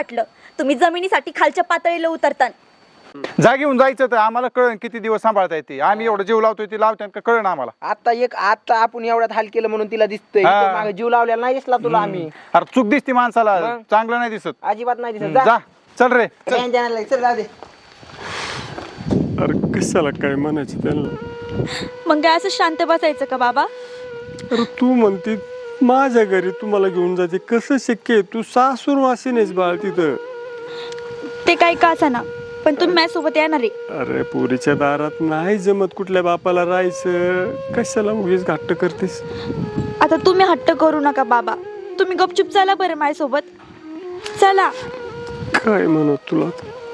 वाटलं तुम्ही जमिनीसाठी खालच्या पातळीला उतरता. जागेऊन जायचं तर आम्हाला कळण किती दिवस सांभाळता येते. आम्ही एवढं जीव लावतोय ती लावते का कळण आम्हाला. आता आपण एवढ्यात हाल केलं म्हणून तिला दिसतंय. हा. इथं मागे जीव लावलेला नाही दिसला तुला आम्ही. अरे चूक दिसती माणसाला, मग? चांगलं नाही दिसत. अजिबात नाही दिसत. जा चल रे चल. चल जाऊ दे. अरे कशाला काय म्हणायचं त्यांना. मग काय असं शांत बसायचं का बाबा? अरे तू म्हणते माझ्या घरी तुम्हाला घेऊन जाते, कसं शक्य आहे? तू सासूर वासीनेस बाळ तिथं. ते काही का ना, पण तुम्ही माझ्यासोबत येणार आहे. अरे पोरीच्या दारात नाही जमत कुठल्या बापाला राहायचं, कशाला उगीच घाट्ट करतेस. आता तुम्ही हट्ट करू नका बाबा, तुम्ही गपचूप चला बरं माझ्यासोबत. चला. काय म्हणत तुला.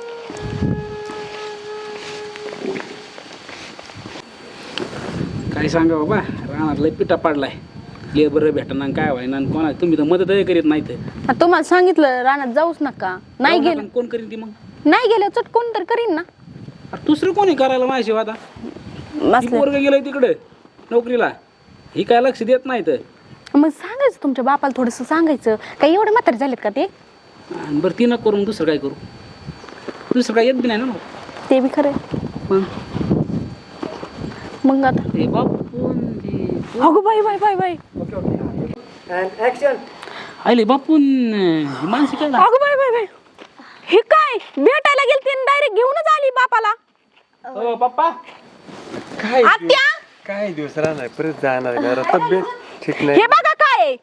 काय सांगा बाबा, रानात लय पिटा पाडलाय. लेबर भेटना काय व्हायना कोणा, तुम्ही तर मदतही करीत नाही. तुम्हाला सांगितलं रानात जाऊच नका. नाही गेलं कोण करीन ती मग? नाही गेलं चटकून तर करीन ना. अरे दुसरं कोणी करायला माझ्याशिवाय? आता पोरग गेलंय तिकडे नोकरीला, ही काय लक्ष देत नाही. तर मग सांगायचं तुमच्या बापाला, थोडस सांगायचं. काही एवढे म्हातारे झालेत का ते? बरं ती न करून दुसरं काय करू? दुसरं काय येत बी नाही ना. ते बी खरं. मग आता ते बापू अगो बाई बाई बाई बाई आले बापून मानसी काय अगो बाई बाई बाई, हे काय भेटायला गेलती डायरेक्ट घेऊनच आली बापाला. हो पप्पा. काय आत्या काय दिवस राहणार, परत जाणार घरा. तब्येत ठीक नाही. हे बघा काय आहे.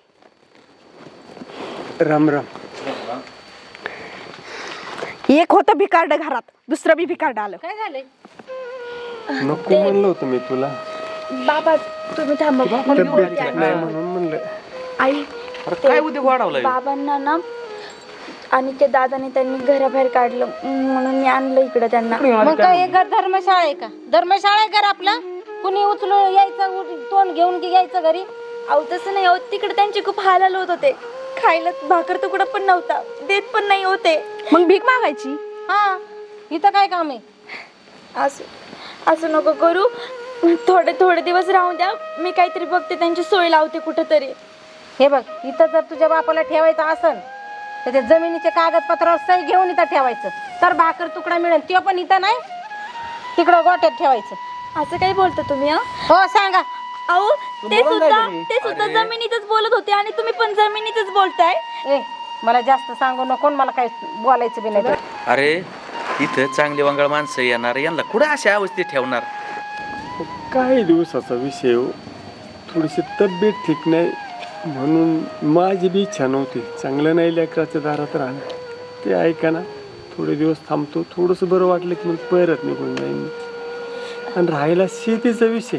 राम राम. एक होतं भिकारड घरात, दुसरं बी भिकारड आलं. काय झालंय? नको म्हणलं होतं मी तुला. बाबा तुम्ही थांबा. तब्येत ठीक नाही म्हणून म्हणलं. आई काय उद्योग वाढवलाय? बाबांना ना आणि ते दादाने त्यांनी घराबाहेर काढलं म्हणून मी आणलं इकडं त्यांना. मग काय एक घर धर्मशाळा आहे का? धर्मशाळा आहे घर आपला? कुणी उचलून यायचं, तोंड घेऊन की यायचं घरी? अहो तसं नाही, अहो तिकडे त्यांचे खूप हाल होत होते. खायला भाकर तुकडा पण नव्हता, देत पण नाही होते. मग भीक मागायची. हा, इथं काय काम आहे? असं नको करू, थोडे दिवस राहून द्या. मी काहीतरी बघते, त्यांची सोय लावते कुठंतरी. हे बघ, इथं जर तुझ्या बापाला ठेवायचं असन तर ते जमिनीचे कागदपत्रावर सही घेऊन इथं ठेवायचं, तर भाकर तुकडा मिळेल. ते पण इथं नाही, तिकडं गोट्यात ठेवायचं. असं काही बोलता तुम्ही? हो सांगा. अहो ते सुद्धा जमिनीतच बोलत होते आणि तुम्ही पण जमिनीतच बोलताय. ए मला जास्त सांगू नको, मला काही बोलायचं बी नाही. अरे इथं चांगली वंगाळ माणसं येणार, यांना कुठं अशा अवस्थेत ठेवणार? काही दिवसाचा विषय हो. थोडीशी तब्येत ठीक नाही म्हणून माझी बी इच्छा नव्हती. चांगलं नाही लेकराच्या दारात राहणं. ते ऐका ना, थोडे दिवस थांबतो. थोडंसं बरं वाटलं की मग परत निघून जाईन. आणि राहिला शेतीचा विषय,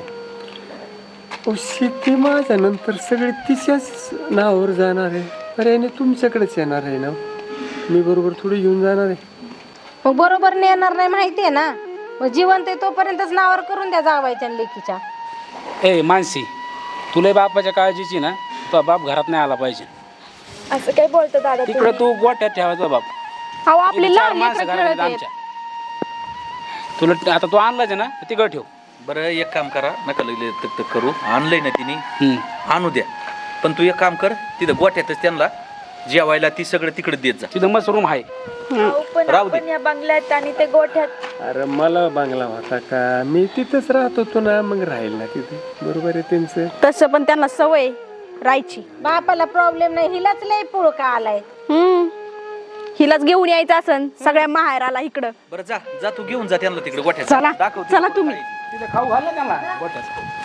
शेती माझ्या नंतर सगळे तिच्याच नावावर जाणार आहे. पर्यायने तुमच्याकडेच येणार आहे ना. मी बरोबर थोडी घेऊन जाणार आहे. मग बरोबर नेणार नाही माहिती आहे ना. मग जिवंत आहे तोपर्यंतच नावावर करून द्या जावायच्या लेकीच्या. ए मानसी, तुला बापाच्या काळजीची ना, तो बाप घरात नाही आला पाहिजे. असं काय बोलतो दादा तिकडे तुम्ही? तू गोट्यात ठेवायचा बाप. अहो आपली चार लहान माणसं लेकरं घरात खेळत आहेत. आमच्या. तुला आता तू आणलाच ना, तिकडे ठेव. बरं एक काम करा, नका लगले तक करू. आणलंय ना तिने, आणू द्या. पण तू एक काम कर, तिथं गोठ्यातच त्यांना जेवायला ती सगळं तिकडे देत जा. तिथं मस्त रूम आहे. अहो, पण राहू दे. आपण या बंगल्यात आणि ते गोठ्यात. अरे मला बांगला होता का? मी तिथंच राहत होतो ना, मग राहील ना तिथे. बरोबर आहे त्यांचं. तसं पण त्यांना सवय राहायची. बापाला प्रॉब्लेम नाही, हिलाच लय पुळका आलाय. हिलाच घेऊन यायचं असन सगळ्या माहेराला इकडं. बरं जा जा, तू घेऊन जा त्यांना तिकडे गोठ्यात. चला दाखव चला तुम्ही. तिथं खाऊ घाल ना त्यांना गोट्यात.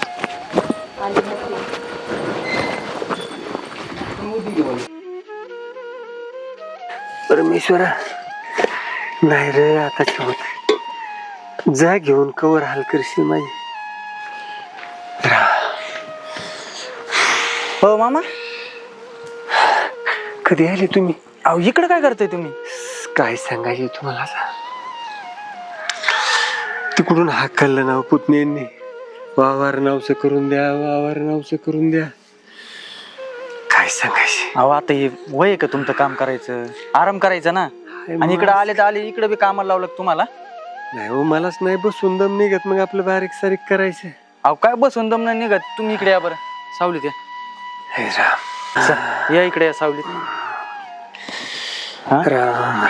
परमेश्वरा, नाही रे आता होत. जा घेऊन कवर हाल करशील माझी. हो मामा, कधी आले तुम्ही? अहो इकडे काय करताय तुम्ही? काय सांगायचे तुम्हाला आता? तिकडून हाकललं नाव पुतण्यांनी. वावर नावचं करून द्या, वावर नावचं करून द्या. काय सांगायचे? अहो आता हे वय आहे का तुमचं काम करायचं? आराम करायचं ना. आणि इकडे आले तर आले, इकडे बी कामाला लावलं का तुम्हाला? नाही हो, मलाच नाही बसून दम निघत. मग आपलं बारीक सारीक करायचं. अहो काय बसून दम नाही निघत. तुम्ही इकडे या बरं, सावलीत या. हे राम. या इकडे या सावलीत. हा? राम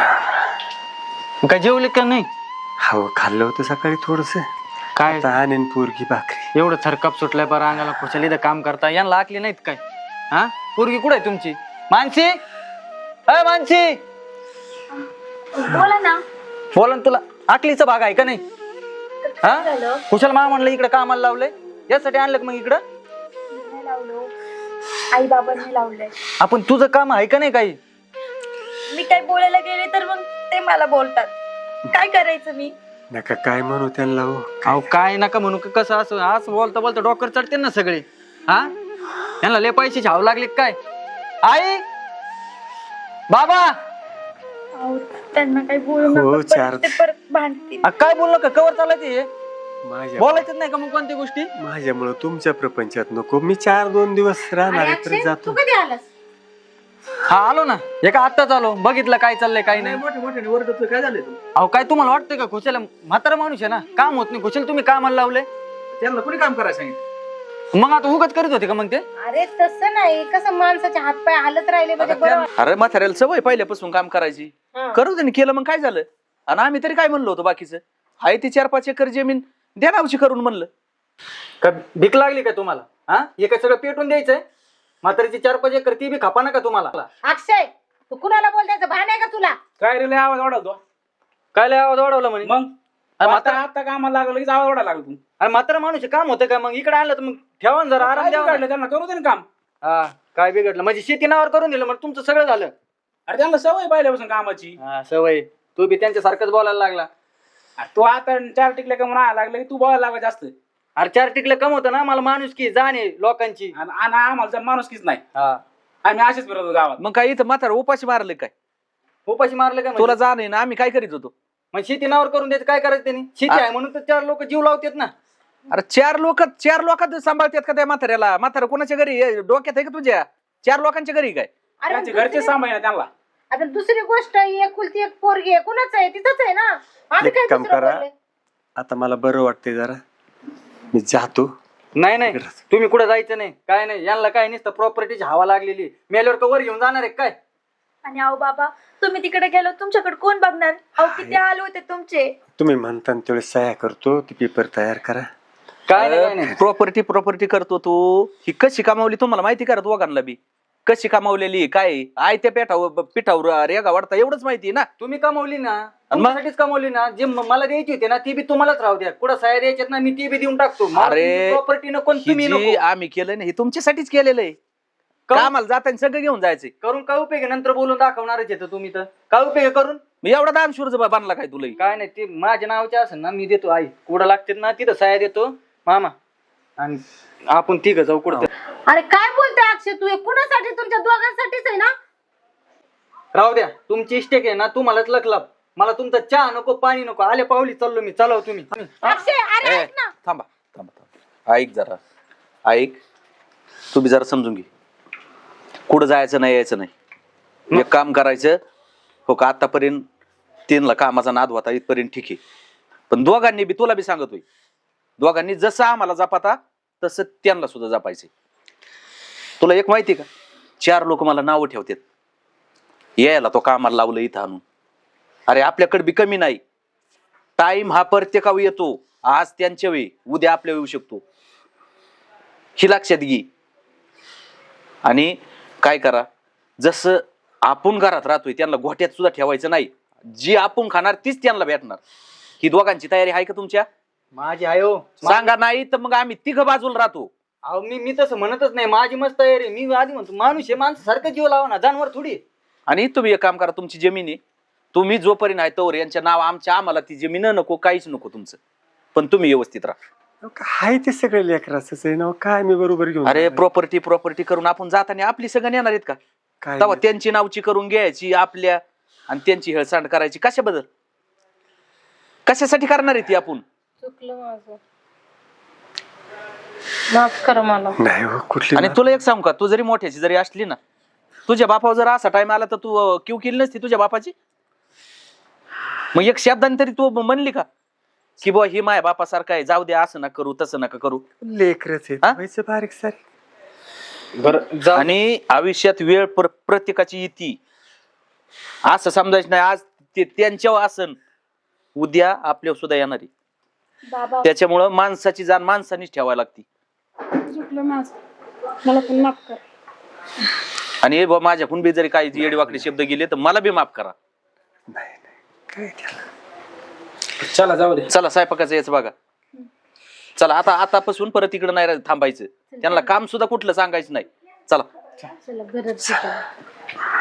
मग काय जेवले का नाही? हो खाल्लं होतं सकाळी थोडस. काय आणीन पोरगी भाकरी. एवढं थरकाप सुटलाय पर अंगाला खुशाली इथं काम करता यांना आखली नाहीत काय? हा पोरगी कुठे आहे तुमची? मानसी, अय मानसी, बोला ना. बोला ना, तुला आकलीचा भाग आहे का नाही? हा झालं? कुशल मा म्हणलं इकडे कामाला लावलंय, यासाठी आणलं का मग इकडं? नाही लावलो, आई बाबांनी लावलंय. आपण तुझं काम आहे का नाही काही? मी काय बोलायला गेले तर मग ते मला बोलतात. काय करायचं मी? नका काय म्हणू त्यांना हो. अहो काय नका म्हणू का, कसं असं असं बोलता बोलता डॉक्टर चढते ना सगळे. हा यांना लय पैसे छाव लागले काय? आई बाबा अहो, त्यांना काही बोलू हो, नका, चार- परत ते परत भांडतील. काय बोललो का? कवर चालायचं हे? माझ्या बोलायचंच नाही का मग कोणत्या गोष्टी? माझ्यामुळं तुमच्या प्रपंचात नको. मी 4-2 दिवस राहणार आहे तर अक्षय, जातो. तू कधी आलास? हा आलो ना, एका आत्ताच आलो, बघितलं काय चाललंय काय नाही. मोठे मोठे ओरडत काय झालं तू? अहो काय तुम्हाला वाटतंय का खुशाला म्हातारा माणूस आहे ना, काम होत नाही. खुशाल तुम्ही कामाला लावले, त्यांना कोणी काम करायला सांगितलं? मग आता उगत करीत होते का मग ते? अरे तसं नाही, कसं माणसाचे हातपाय हालत राहिले म्हणजे बरं. अरे म्हाताऱ्याला सवय पहिल्यापासून काम करायची. हा. करू दे ना, केलं मग काय झालं? आणि आम्ही तरी काय म्हणलो होतो बाकीचं? आहे ती 4-5 एकर जमीन द्या नावची करून म्हणलं. का भीक लागली का तुम्हाला? हा हे काय सगळं पेटून द्यायचंय? म्हातारीची 4-5 एकर ती बी खापा ना का तुम्हाला? अक्षय, तू कुणाला बोलतायचं भान आहे का तुला? काय रे लय आवाज वाढवतो? काय लय आवाज वाढवला म्हणे? मग अरे आता म्हातारा आता कामाला लागलं लगेच आवाज वाढायला लागला तू. अरे म्हातारा माणूस काम होतं का? मग इकडे आणलं तर मग ठेवा ना जरा, आराम काय द्यावा ना. बिघडलं त्यांना? करू दे ना काम. हा काय बिघडलं म्हणजे शेती नावावर करून दिलं, मग तुमचं सगळं झालं. अरे त्यांना सवय पहिल्यापासून कामाची. हा सवय, तू बी त्यांच्यासारखंच बोलायला लागला. अरे तू आता 4 टिकल्या का म्हणून लागलं की तू बोलायला लागा जास्त. अरे 4 टिकलं कम होतं ना, मला माणूस की जाणे लोकांची. आणि आम्हाला माणुसकीच नाही. हा आम्ही असेच फिरतो गावात. मग काय इथं म्हातारा उपाशी मारले काय? उपाशी मारलं का? तुला जाणे ना, आम्ही काय करीत होतो? मग शेती नावावर करून द्यायचं, काय करायचं त्यांनी? शेती आहे म्हणून तर 4 लोक जीव लावतात ना. अरे 4 लोकात सांभाळतात का त्या म्हाताऱ्याला? म्हातारा कोणाच्या घरी डोक्यात आहे का तुझ्या? 4 लोकांच्या घरी काय? अरे त्यांचे घरचे सांभाळ ना त्यांना. आता दुसरी गोष्ट, एकुलती एक पोरगी आहे, कुणाच आहे? तिथंच आहे ना. आम्ही एक काय काम दुसरं करा. बोलले? आता मला बरं वाटतंय जरा, मी जातो. नाही नाही तुम्ही कुठे जायचं नाही, काय नाही. यांना काय नसतं, प्रॉपर्टीची हवा लागलेली. मेल्यावर कवर घेऊन जाणार आहे काय? आणि अहो बाबा, तुम्ही तिकडे गेलो तुमच्याकडे कोण बघणार? अहो किती हाल होते तुमचे. तुम्ही म्हणता तेवढे सह्या करतो, ती पेपर तयार करा. काय नाही काय नाही. प्रॉपर्टी करतो तू. ही कशी कमावली तुम्हाला माहिती का? दोघांना बी कशी कमावलेली? काय आय त्या पिठावर रेगा वाढता एवढंच माहिती ना. तुम्ही कमवली ना, माझ्यासाठीच कमवली ना. जे मला द्यायची होती ना ती बी तुम्हालाच राहू द्या. कुठं सह्या द्यायच्यात ना, मी ती बी देऊन टाकतो. अरे, प्रॉपर्टी नको, ही तुम्ही जी नको. आम्ही केलं ना, हे तुमच्यासाठीच केलेलं आहे. कामाला जाताना सगळं घेऊन जायचंय. करून काय उपयोग आहे? नंतर बोलून दाखवणारच येतं तुम्ही. तर काय उपयोग आहे करून? मी एवढा दानशूर बांधला काय तुला? काय नाही, ते माझ्या नावाचे असेल ना, मी देतो. आई कुठं लागते ना तिथं सह्या देतो मामा, आणि आपण तिघं जाऊ कुठं. अरे काय बोलतोय अक्षय तू? हे कुणासाठी? तुमच्या दोघांसाठीच आहे ना. राहू द्या, तुमची इष्टेक आहे ना, तुम्हालाच लकलाप. मला तुमचा चहा नको, पाणी नको. आले पावली चाललो मी. चालव तुम्ही. अक्षय, अरे ए, ऐक ना. थांबा. ऐक जरा, ऐक. तू बी जरा समजून घे. कुठं जायचं नाही, यायचं नाही. एक काम करायचं हो का? आतापर्यंत 3ला कामाचा नाद होता, इथपर्यंत ठीक आहे. पण दोघांनी बी, तुला बी सांगतोय, दोघांनी जसं आम्हाला जपाता तसं त्यांना सुद्धा जपायचे. तुला एक माहिती का? 4 लोक मला नावं ठेवतात, यायला तो कामाला लावलं इथं आणून. अरे आपल्याकडे बी कमी नाही. टाइम हा प्रत्येकावर येतो. आज त्यांच्या वेळी, उद्या आपल्या येऊ शकतो. ही लक्षात घे. आणि काय करा, जसं आपण घरात राहतोय त्यांना गोठ्यात सुद्धा ठेवायचं नाही. जी आपण खाणार तीच त्यांना भेटणार. ही दोघांची तयारी आहे का तुमच्या? माझी आहे हो. सांगा, नाही तर मग आम्ही तिघं बाजूला राहतो. अहो मी तसं म्हणतच नाही. माझी मस्त तयारी. मी आधी म्हणतो माणूस आहे, माणसासारखं जीव लावा ना, जानवर थोडी. आणि तुम्ही एक काम करा, तुमची जमीन आहे, तुम्ही जोपर्यंत आहे तोवर यांच्या नाव आम्हाला ती जमीन नको, काहीच नको तुमचं. पण तुम्ही व्यवस्थित राहा. हाय ते सगळे लेकराचंच आहे ना. काय मी बरोबर घेऊन अरे जाणार? प्रॉपर्टी करून आपण जाताना आपली सगळं येणार आहेत का? काय तेव्हा त्यांची नावची करून घ्यायची आपल्या, आणि त्यांची हेळसांड करायची कशाबद्दल? कशासाठी करणार आहे ती आपण? चुकलं माझं, माफ कर मला. नाही हो, कुठली आणि तुला एक सांगू का, तू जरी मोठ्याची जरी असली ना, तुझ्या बापावर जर असा टाइम आला तर तू क्यू केली नसती तुझ्या बापाची? मग एक शब्दाने तरी तू म्हणली का की बुवा ही माय बापासारखं आहे, जाऊ दे, असं नका करू, तसं नका करू? लेकरच आहे, हा? व्हायचं बारीक सारी. बरं आणि आयुष्यात वेळ प्रत्येकाची येते. असं समजायचं नाही. आज ते त्यांच्यावर आसन, उद्या आपल्यावर सुद्धा येणार आहे. बाबा त्याच्यामुळं माणसाची जाण माणसानीच ठेवायला लागती. चुकलं माझं, मला पण माफ कर. आणि हे बुवा माझ्याकडून बी जरी काही येडीवाकडे शब्द गेले तर मला बी माफ करा. चला जाऊ दे. चला स्वयंपाकाचं याच बघा. चला आता आतापासून परत इकडे नाही थांबायचं. त्यांना काम सुद्धा कुठलं सांगायचं नाही. चला. चला घरात